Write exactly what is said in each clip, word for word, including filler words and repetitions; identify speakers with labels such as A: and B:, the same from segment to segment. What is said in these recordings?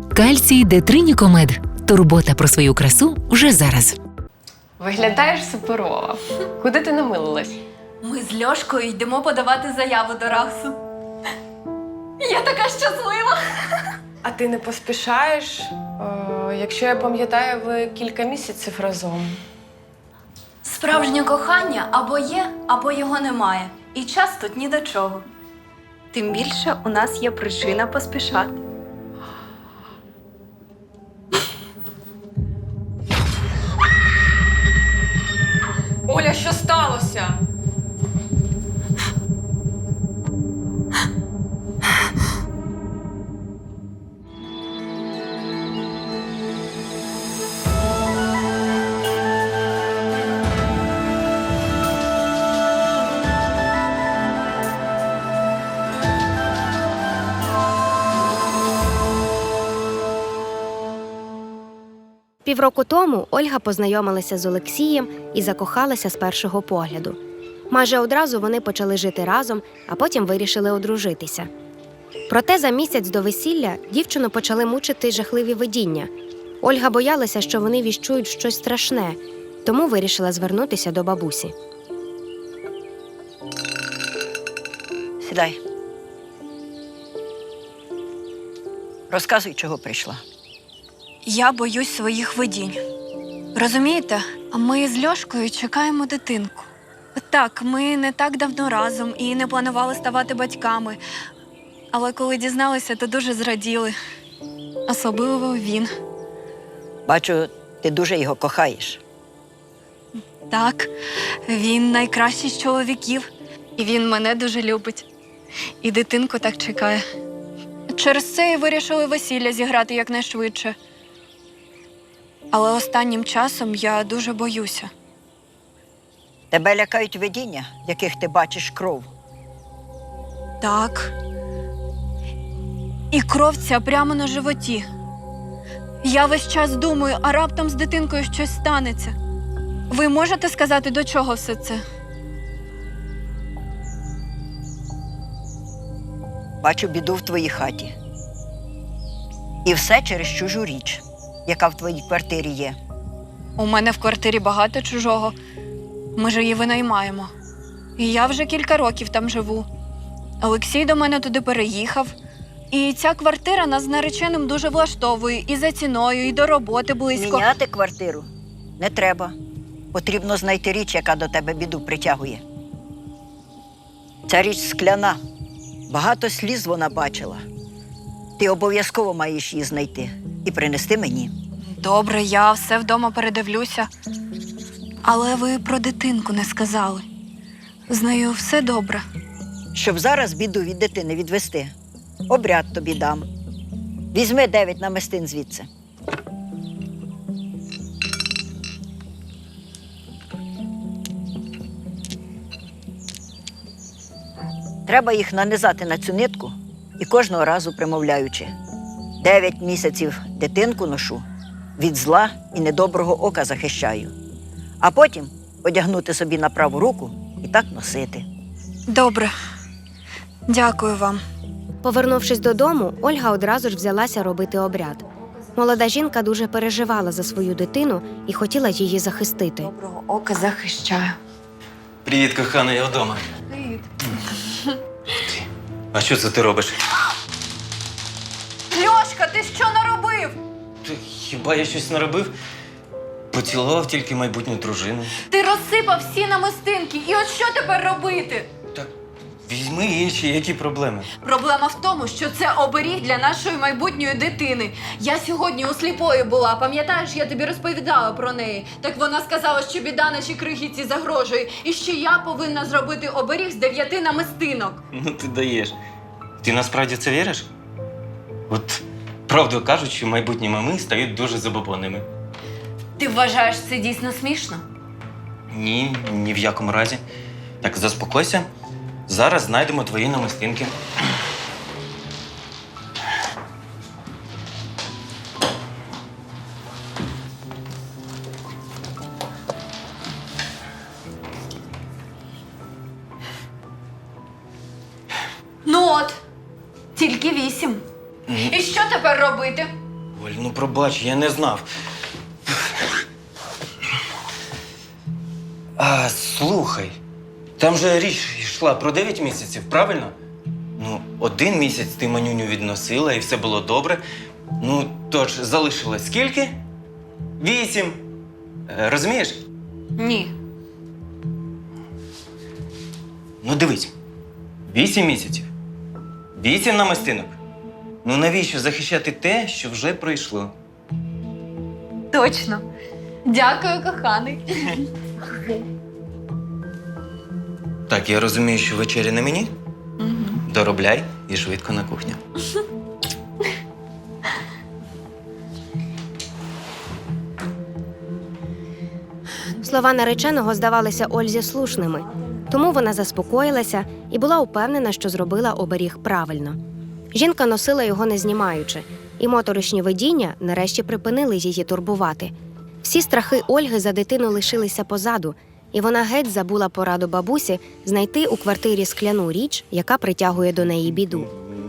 A: Кальцій Детринікомед. Турбота про свою красу вже зараз.
B: Виглядаєш суперово. Куди ти намилилась?
C: Ми з Льошкою йдемо подавати заяву до РАГСу. Я така щаслива!
B: А ти не поспішаєш? О, якщо я пам'ятаю, ви кілька місяців разом.
C: Справжнє кохання або є, або його немає. І час тут ні до чого. Тим більше у нас є причина поспішати.
B: Оля, що сталося?
D: Півроку тому Ольга познайомилася з Олексієм і закохалася з першого погляду. Майже одразу вони почали жити разом, а потім вирішили одружитися. Проте за місяць до весілля дівчину почали мучити жахливі видіння. Ольга боялася, що вони віщують щось страшне, тому вирішила звернутися до бабусі.
E: Сідай. Розказуй, чого прийшла.
C: Я боюсь своїх видінь. Розумієте, ми з Льошкою чекаємо дитинку. Так, ми не так давно разом і не планували ставати батьками. Але коли дізналися, то дуже зраділи. Особливо він.
E: Бачу, ти дуже його кохаєш.
C: Так, він найкращий з чоловіків. І він мене дуже любить. І дитинку так чекає. Через це і вирішили весілля зіграти якнайшвидше. Але останнім часом я дуже боюся.
E: Тебе лякають видіння, в яких ти бачиш кров.
C: Так. І кров ця прямо на животі. Я весь час думаю, а раптом з дитинкою щось станеться. Ви можете сказати, до чого все це?
E: Бачу біду в твоїй хаті. І все через чужу річ, яка в твоїй квартирі є.
C: У мене в квартирі багато чужого. Ми ж її винаймаємо. І я вже кілька років там живу. Олексій до мене туди переїхав. І ця квартира нас з нареченим дуже влаштовує. І за ціною, і до роботи близько.
E: Міняти квартиру не треба. Потрібно знайти річ, яка до тебе біду притягує. Ця річ скляна. Багато сліз вона бачила. Ти обов'язково маєш її знайти і принести мені.
C: Добре, я все вдома передивлюся. Але ви про дитинку не сказали. З нею все добре.
E: Щоб зараз біду від дитини відвести, обряд тобі дам. Візьми дев'ять намистин звідси. Треба їх нанизати на цю нитку і кожного разу примовляючи: дев'ять місяців дитинку ношу, від зла і недоброго ока захищаю. А потім одягнути собі на праву руку і так носити.
C: Добре. Дякую вам.
D: Повернувшись додому, Ольга одразу ж взялася робити обряд. Молода жінка дуже переживала за свою дитину і хотіла її захистити.
C: Доброго ока захищаю.
F: Привіт, кохана, я вдома.
C: Привіт.
F: Ти. А що це ти робиш?
C: Льошка, ти що наробив?
F: Ти, хіба я щось наробив? Поцілував тільки майбутню дружину.
C: Ти розсипав всі намистинки. І от що тепер робити?
F: Так візьми інші, які проблеми?
C: Проблема в тому, що це оберіг для нашої майбутньої дитини. Я сьогодні у сліпої була, пам'ятаєш, я тобі розповідала про неї. Так вона сказала, що біда нашій крихітці загрожує, і що я повинна зробити оберіг з дев'яти намистинок.
F: Ну ти даєш. Ти насправді в це віриш? От правду кажучи, майбутні мами стають дуже забобонними.
C: Ти вважаєш це дійсно смішно?
F: Ні, ні в якому разі. Так, заспокойся. Зараз знайдемо твої намистинки.
C: Ну от, тільки вісім. І що тепер робити?
F: Оль, ну пробач, я не знав. А, слухай, там же річ йшла про дев'ять місяців, правильно? Ну, один місяць ти манюню відносила і все було добре. Ну, тож, залишилось скільки? Вісім. Е, Розумієш?
C: Ні.
F: Ну, дивись. Вісім місяців. Вісім намистинок. Ну, навіщо захищати те, що вже пройшло?
C: Точно. Дякую, коханий.
F: Так, я розумію, що вечеря на мені. Доробляй і швидко на кухню.
D: Слова нареченого здавалися Ользі слушними, тому вона заспокоїлася і була упевнена, що зробила оберіг правильно. Жінка носила його не знімаючи, і моторошні видіння нарешті припинили її турбувати. Всі страхи Ольги за дитину лишилися позаду, і вона геть забула пораду бабусі знайти у квартирі скляну річ, яка притягує до неї біду.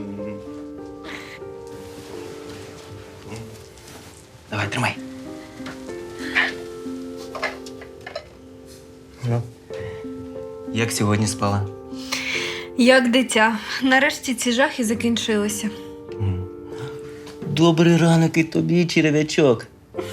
F: Давай, тримай. Ну, як сьогодні спала?
C: Як дитя. Нарешті ці жахи закінчилися.
F: Добрий ранок і тобі, черв'ячок.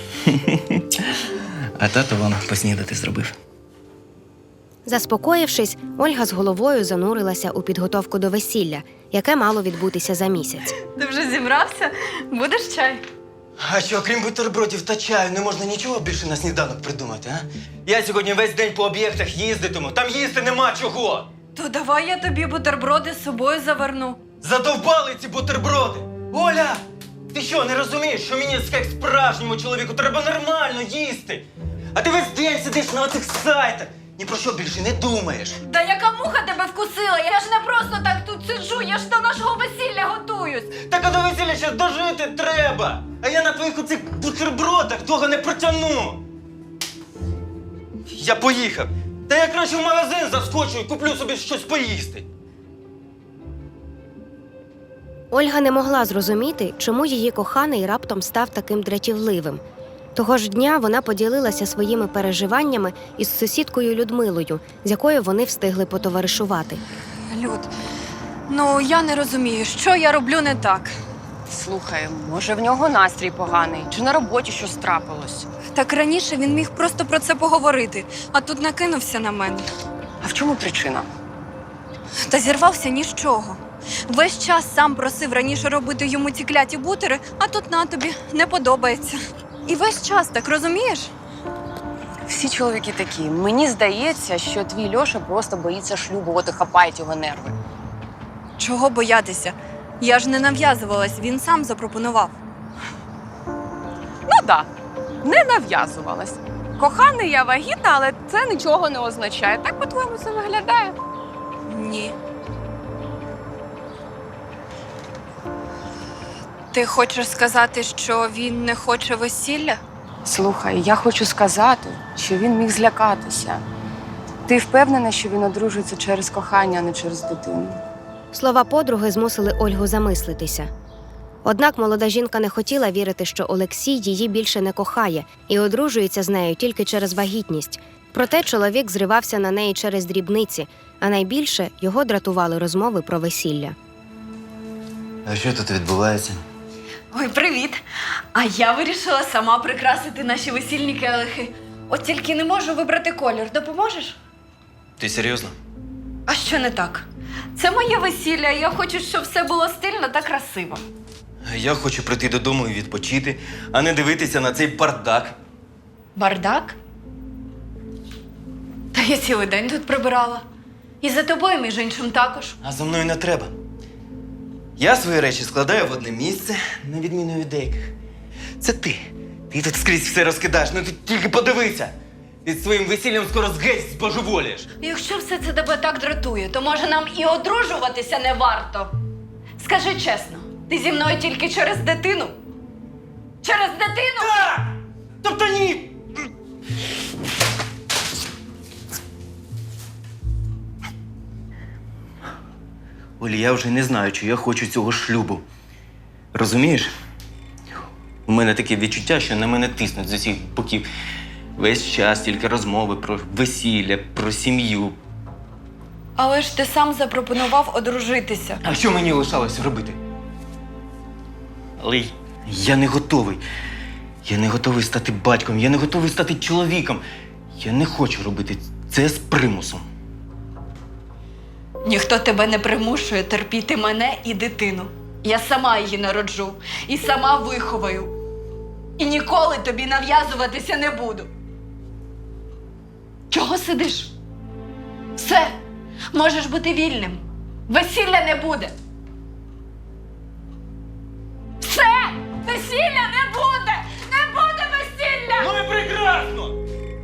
F: А тато вам поснідати зробив.
D: Заспокоївшись, Ольга з головою занурилася у підготовку до весілля, яке мало відбутися за місяць.
C: Ти вже зібрався? Будеш чай?
F: А що, крім бутербродів та чаю, не можна нічого більше на сніданок придумати, а? Я сьогодні весь день по об'єктах їздитиму, там їсти нема чого!
C: То давай я тобі бутерброди з собою заверну.
F: Задовбали ці бутерброди! Оля! Ти що, не розумієш, що мені, як справжньому чоловіку, треба нормально їсти? А ти весь день сидиш на оцих сайтах, ні про що більше не думаєш.
C: Та яка муха тебе вкусила? Я ж не просто так тут сиджу, я ж до нашого весілля готуюсь.
F: Так а до весілля ще дожити треба! А я на твоїх оцих бутербродах того не протягну! Я поїхав! Та я краще в магазин заскочу і куплю собі щось поїсти.
D: Ольга не могла зрозуміти, чому її коханий раптом став таким дратівливим. Того ж дня вона поділилася своїми переживаннями із сусідкою Людмилою, з якою вони встигли потоваришувати.
C: Люд, ну я не розумію, що я роблю не так.
B: Слухай, може в нього настрій поганий, чи на роботі щось трапилось?
C: Так раніше він міг просто про це поговорити, а тут накинувся на мене.
B: А в чому причина?
C: Та зірвався ні з чого. Весь час сам просив раніше робити йому ці кляті бутери, а тут на тобі не подобається. І весь час так, розумієш?
B: Всі чоловіки такі. Мені здається, що твій Льоша просто боїться шлюбу, от і хапають його нерви.
C: Чого боятися? Я ж не нав'язувалась, він сам запропонував.
B: Ну так, не нав'язувалась. Коханий, я вагітна, але це нічого не означає. Так, по-твоєму, це виглядає?
C: Ні. Ти хочеш сказати, що він не хоче весілля?
B: Слухай, я хочу сказати, що він міг злякатися. Ти впевнена, що він одружується через кохання, а не через дитину?
D: Слова подруги змусили Ольгу замислитися. Однак молода жінка не хотіла вірити, що Олексій її більше не кохає і одружується з нею тільки через вагітність. Проте чоловік зривався на неї через дрібниці, а найбільше його дратували розмови про весілля.
F: А що тут відбувається?
C: Ой, привіт! А я вирішила сама прикрасити наші весільні келихи. От тільки не можу вибрати колір. Допоможеш?
F: Ти серйозно?
C: А що не так? Це моє весілля, і я хочу, щоб все було стильно та красиво.
F: Я хочу прийти додому і відпочити, а не дивитися на цей бардак.
C: Бардак? Та я цілий день тут прибирала. І за тобою, між іншим, також.
F: А за мною не треба. Я свої речі складаю в одне місце, на відміну від деяких. Це ти. Ти тут скрізь все розкидаєш, ну ти тільки подивися. Ти своїм весіллям скоро згеть збожеволієш.
C: Якщо все це тебе так дратує, то може нам і одружуватися не варто. Скажи чесно, ти зі мною тільки через дитину? Через дитину?
F: Так! Тобто ні! Олі, я вже не знаю, чи я хочу цього шлюбу. Розумієш? У мене таке відчуття, що на мене тиснуть з усіх боків. Весь час тільки розмови про весілля, про сім'ю.
C: Але ж ти сам запропонував одружитися.
F: А що мені лишалося робити? Але й- я не готовий. Я не готовий стати батьком, я не готовий стати чоловіком. Я не хочу робити це з примусом.
C: Ніхто тебе не примушує терпіти мене і дитину. Я сама її народжу і сама виховаю. І ніколи тобі нав'язуватися не буду. Чого сидиш? Все, можеш бути вільним. Весілля не буде. Все! Весілля не буде! Не буде весілля!
F: Ну і прекрасно!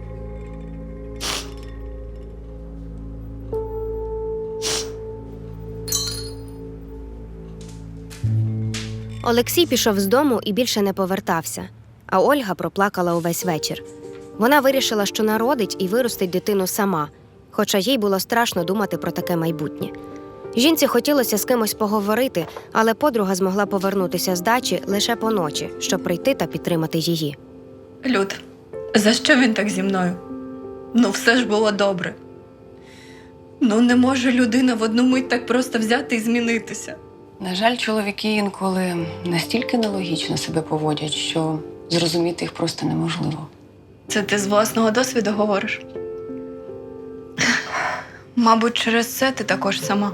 D: Олексій пішов з дому і більше не повертався, а Ольга проплакала увесь вечір. Вона вирішила, що народить і виростить дитину сама, хоча їй було страшно думати про таке майбутнє. Жінці хотілося з кимось поговорити, але подруга змогла повернутися з дачі лише поночі, щоб прийти та підтримати її.
C: Люд, за що він так зі мною? Ну, все ж було добре. Ну, не може людина в одну мить так просто взяти і змінитися.
B: На жаль, чоловіки інколи настільки нелогічно себе поводять, що зрозуміти їх просто неможливо.
C: Це ти з власного досвіду говориш? Мабуть, через це ти також сама.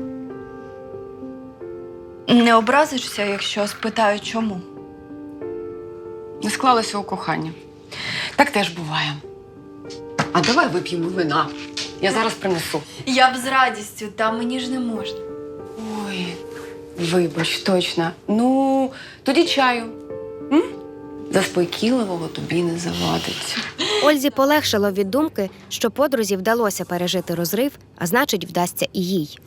C: Не образишся, якщо спитаю, чому?
B: Не склалося у коханні. Так теж буває. А давай вип'ємо вина. Я зараз принесу.
C: Я б з радістю, та мені ж не можна.
B: Ой, вибач, точно. Ну, тоді чаю. М? Заспокійливого тобі не завадить.
D: Ользі полегшало від думки, що подрузі вдалося пережити розрив, а значить, вдасться і їй.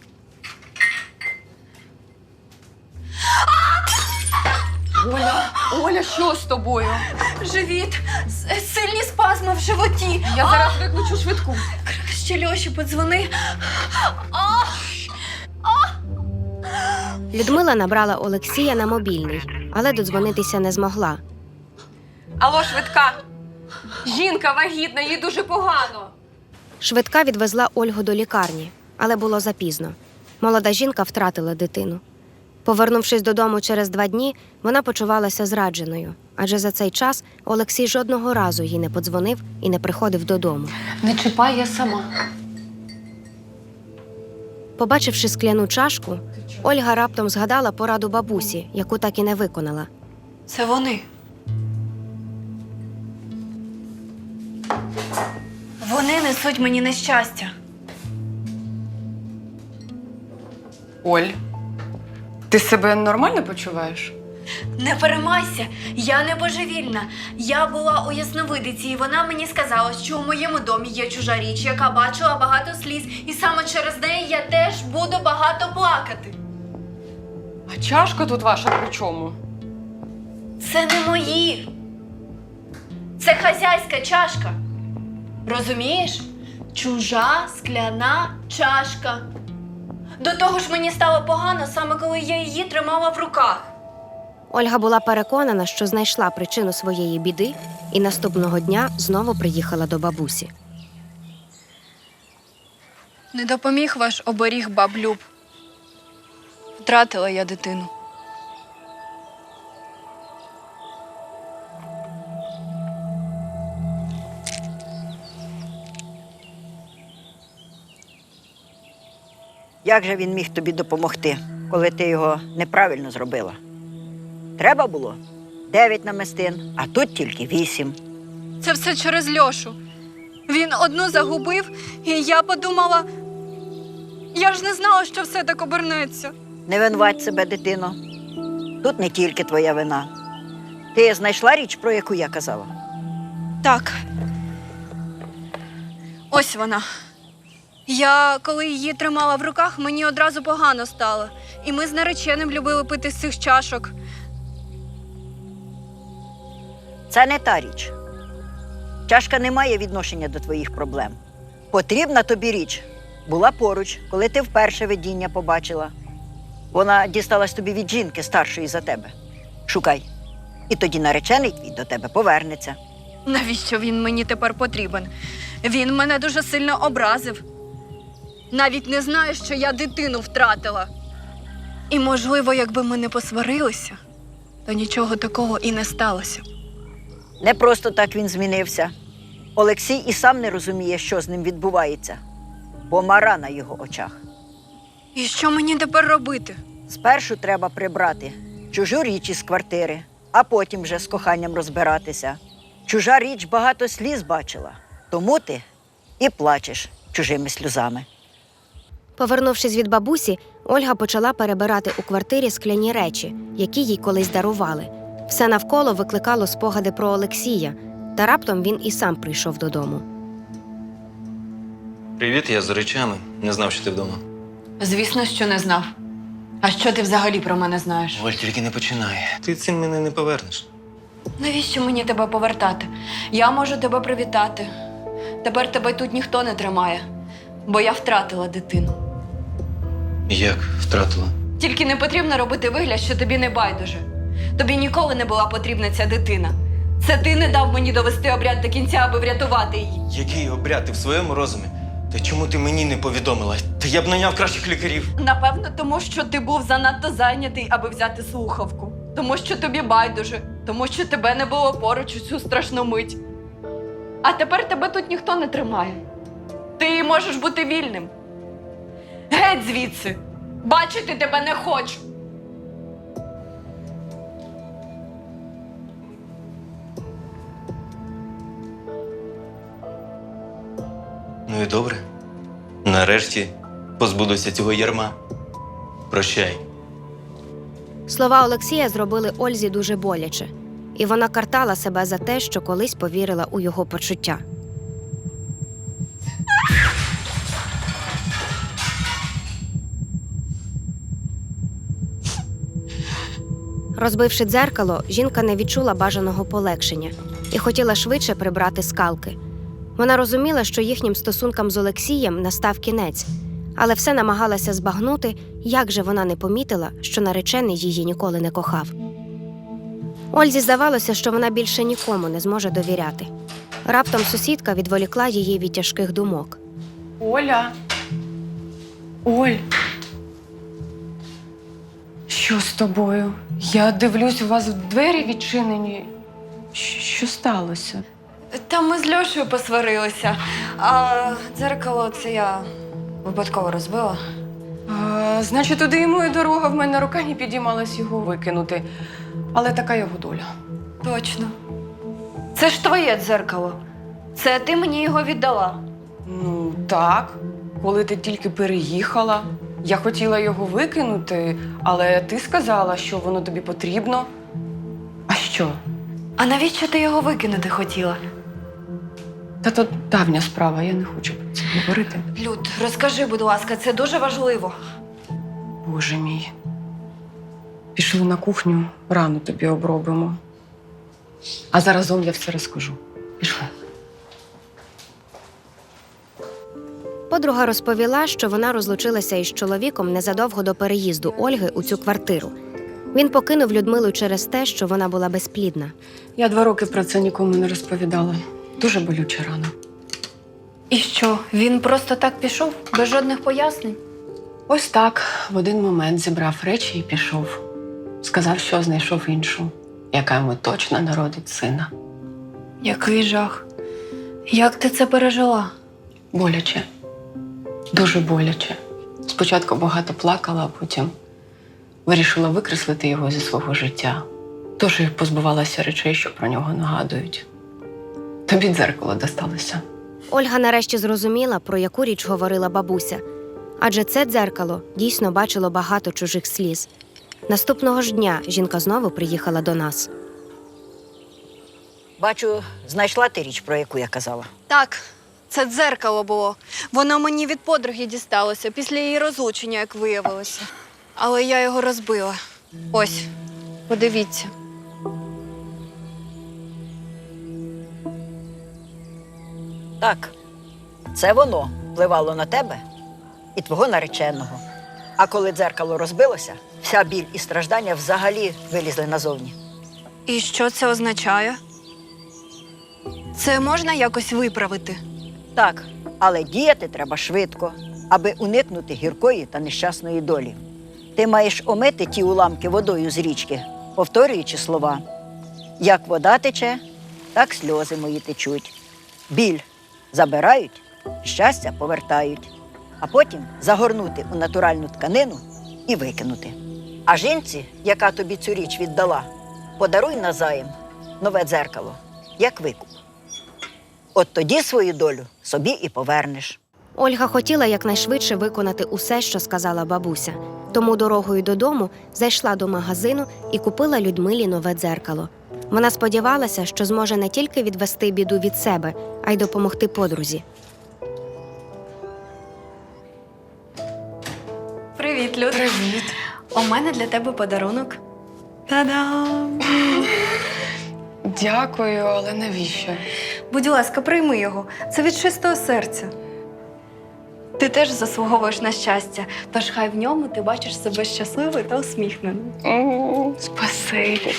B: Оля, Оля, що з тобою?
C: Живіт, с- сильні спазми в животі.
B: Я зараз викличу швидку.
C: Ще Льоші подзвони.
D: Людмила набрала Олексія на мобільний, але додзвонитися не змогла.
B: Алло, швидка. Жінка вагітна, їй дуже погано.
D: Швидка відвезла Ольгу до лікарні, але було запізно. Молода жінка втратила дитину. Повернувшись додому через два дні, вона почувалася зрадженою, адже за цей час Олексій жодного разу їй не подзвонив і не приходив додому.
B: Не чіпай, я сама.
D: Побачивши скляну чашку, Ольга раптом згадала пораду бабусі, яку так і не виконала.
C: Це вони. Вони несуть мені нещастя.
B: Оль, ти себе нормально почуваєш?
C: Не переймайся, я не божевільна. Я була у ясновидиці, і вона мені сказала, що у моєму домі є чужа річ, яка бачила багато сліз, і саме через неї я теж буду багато плакати.
B: А чашка тут ваша при чому?
C: Це не мої. Це хазяйська чашка. Розумієш? Чужа скляна чашка. До того ж мені стало погано, саме коли я її тримала в руках.
D: Ольга була переконана, що знайшла причину своєї біди, і наступного дня знову приїхала до бабусі.
C: Не допоміг ваш оберіг, баб Люб. Втратила я дитину.
E: Як же він міг тобі допомогти, коли ти його неправильно зробила? Треба було дев'ять намистин, а тут тільки вісім.
C: Це все через Льошу. Він одну загубив, і я подумала, я ж не знала, що все так обернеться.
E: Не винувать себе, дитино. Тут не тільки твоя вина. Ти знайшла річ, про яку я казала?
C: Так. Ось вона. Я, коли її тримала в руках, мені одразу погано стало. І ми з нареченим любили пити з цих чашок.
E: Це не та річ. Чашка не має відношення до твоїх проблем. Потрібна тобі річ була поруч, коли ти вперше видіння побачила. Вона дісталась тобі від жінки старшої за тебе. Шукай. І тоді наречений твій до тебе повернеться.
C: Навіщо він мені тепер потрібен? Він мене дуже сильно образив. Навіть не знає, що я дитину втратила. І, можливо, якби ми не посварилися, то нічого такого і не сталося.
E: Не просто так він змінився. Олексій і сам не розуміє, що з ним відбувається. Помара на його очах.
C: І що мені тепер робити?
E: Спершу треба прибрати чужу річ із квартири, а потім вже з коханням розбиратися. Чужа річ багато сліз бачила, тому ти і плачеш чужими сльозами.
D: Повернувшись від бабусі, Ольга почала перебирати у квартирі скляні речі, які їй колись дарували. Все навколо викликало спогади про Олексія, та раптом він і сам прийшов додому.
F: Привіт, я з речами. Не знав, що ти вдома.
C: Звісно, що не знав. А що ти взагалі про мене знаєш?
F: Оль, тільки не починай. Ти цим мене не повернеш.
C: Навіщо мені тебе повертати? Я можу тебе привітати. Тепер тебе тут ніхто не тримає, бо я втратила дитину.
F: Як втратила?
C: Тільки не потрібно робити вигляд, що тобі не байдуже. Тобі ніколи не була потрібна ця дитина. Це ти не дав мені довести обряд до кінця, аби врятувати її.
F: Який обряд? Ти в своєму розумі? Та чому ти мені не повідомила? Та я б наняв кращих лікарів.
C: Напевно, тому що ти був занадто зайнятий, аби взяти слухавку. Тому що тобі байдуже. Тому що тебе не було поруч у цю страшну мить. А тепер тебе тут ніхто не тримає. Ти можеш бути вільним. Геть звідси! Бачити тебе не хочу!
F: Ну і добре. Нарешті позбудуся цього ярма. Прощай.
D: Слова Олексія зробили Ользі дуже боляче, і вона картала себе за те, що колись повірила у його почуття. Розбивши дзеркало, жінка не відчула бажаного полегшення і хотіла швидше прибрати скалки. Вона розуміла, що їхнім стосункам з Олексієм настав кінець, але все намагалася збагнути, як же вона не помітила, що наречений її ніколи не кохав. Ользі здавалося, що вона більше нікому не зможе довіряти. Раптом сусідка відволікла її від тяжких думок.
B: Оля. Оль. Що з тобою? Я дивлюсь, у вас двері відчинені. Щ- Що сталося?
C: Та ми з Льошею посварилися, а дзеркало це я випадково розбила.
B: А, значить, туди йому і дорога, в мене рука не підіймалась його викинути. Але така його доля.
C: Точно. Це ж твоє дзеркало. Це ти мені його віддала.
B: Ну, так. Коли ти тільки переїхала, я хотіла його викинути, але ти сказала, що воно тобі потрібно. А що?
C: А навіщо ти його викинути хотіла?
B: Та то давня справа, я не хочу про це говорити.
C: Люд, розкажи, будь ласка, це дуже важливо.
B: Боже мій. Пішли на кухню, рану тобі обробимо. А заразом я все розкажу. Пішли.
D: Подруга розповіла, що вона розлучилася із чоловіком незадовго до переїзду Ольги у цю квартиру. Він покинув Людмилу через те, що вона була безплідна.
B: Я два роки про це нікому не розповідала. Дуже болюча рана.
C: І що, він просто так пішов, без жодних пояснень?
B: Ось так в один момент зібрав речі і пішов. Сказав, що знайшов іншу, яка йому точно народить сина.
C: Який жах. Як ти це пережила?
B: Боляче. Дуже боляче. Спочатку багато плакала, а потім вирішила викреслити його зі свого життя. Тож і позбувалася речей, що про нього нагадують. Тобі дзеркало досталося.
D: Ольга нарешті зрозуміла, про яку річ говорила бабуся. Адже це дзеркало дійсно бачило багато чужих сліз. Наступного ж дня жінка знову приїхала до нас.
E: Бачу, знайшла ти річ, про яку я казала.
C: Так, це дзеркало було. Воно мені від подруги дісталося після її розлучення, як виявилося. Але я його розбила. Ось, подивіться.
E: Так, це воно впливало на тебе і твого нареченого. А коли дзеркало розбилося, вся біль і страждання взагалі вилізли назовні.
C: І що це означає? Це можна якось виправити?
E: Так, але діяти треба швидко, аби уникнути гіркої та нещасної долі. Ти маєш омити ті уламки водою з річки, повторюючи слова. Як вода тече, так сльози мої течуть. Біль забирають, щастя повертають. А потім загорнути у натуральну тканину і викинути. А жінці, яка тобі цю річ віддала, подаруй назаєм нове дзеркало, як викуп. От тоді свою долю собі і повернеш.
D: Ольга хотіла якнайшвидше виконати усе, що сказала бабуся. Тому дорогою додому зайшла до магазину і купила Людмилі нове дзеркало. Вона сподівалася, що зможе не тільки відвести біду від себе, а й допомогти подрузі.
C: Привіт, Люд.
B: Привіт.
C: У мене для тебе подарунок. Та-дам!
B: Дякую, але навіщо?
C: Будь ласка, прийми його. Це від чистого серця. Ти теж заслуговуєш на щастя, тож хай в ньому ти бачиш себе щасливою та усміхненою.
B: Спасибі.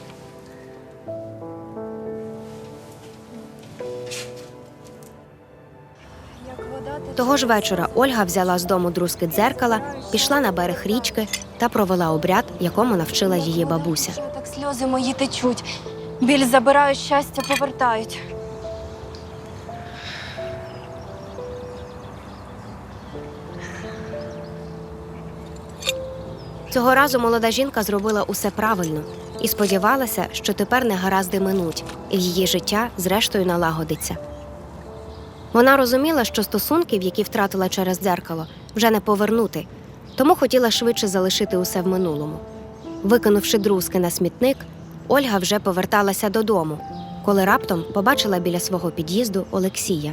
D: Того ж вечора Ольга взяла з дому друзки дзеркала, пішла на берег річки та провела обряд, якому навчила її бабуся.
C: Що так сльози мої течуть? Біль забирають, щастя повертають.
D: Цього разу молода жінка зробила усе правильно і сподівалася, що тепер негаразди минуть, і її життя зрештою налагодиться. Вона розуміла, що стосунків, які втратила через дзеркало, вже не повернути, тому хотіла швидше залишити усе в минулому. Викинувши друзки на смітник, Ольга вже поверталася додому, коли раптом побачила біля свого під'їзду Олексія.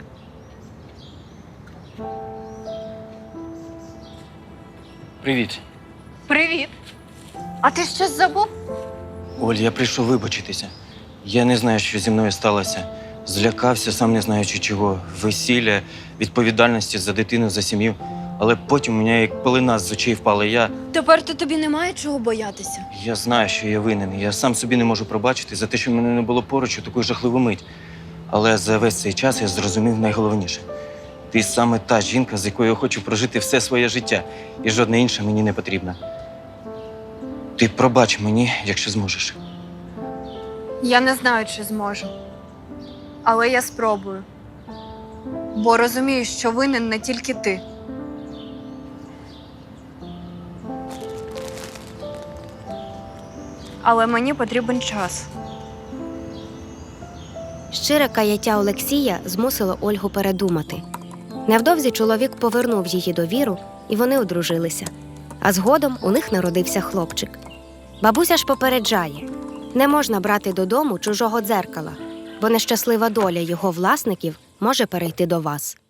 F: Привіт.
C: Привіт! А ти щось забув?
F: Оль, я прийшов вибачитися. Я не знаю, що зі мною сталося. Злякався, сам не знаючи чого. Весілля, відповідальності за дитину, за сім'ю. Але потім у мене як пелена з очей впала. Я,
C: Тепер то тобі немає чого боятися.
F: я знаю, що я винен. Я сам собі не можу пробачити за те, що мене не було поруч у таку жахливу мить. Але за весь цей час я зрозумів найголовніше. Ти саме та жінка, з якою я хочу прожити все своє життя. І жодна інша мені не потрібна. Ти пробач мені, якщо зможеш.
C: Я не знаю, чи зможу. Але я спробую. Бо розумію, що винен не тільки ти. Але мені потрібен час.
D: Щире каяття Олексія змусило Ольгу передумати. Невдовзі чоловік повернув її довіру, і вони одружилися. А згодом у них народився хлопчик. Бабуся ж попереджає – не можна брати додому чужого дзеркала, бо нещаслива доля його власників може перейти до вас.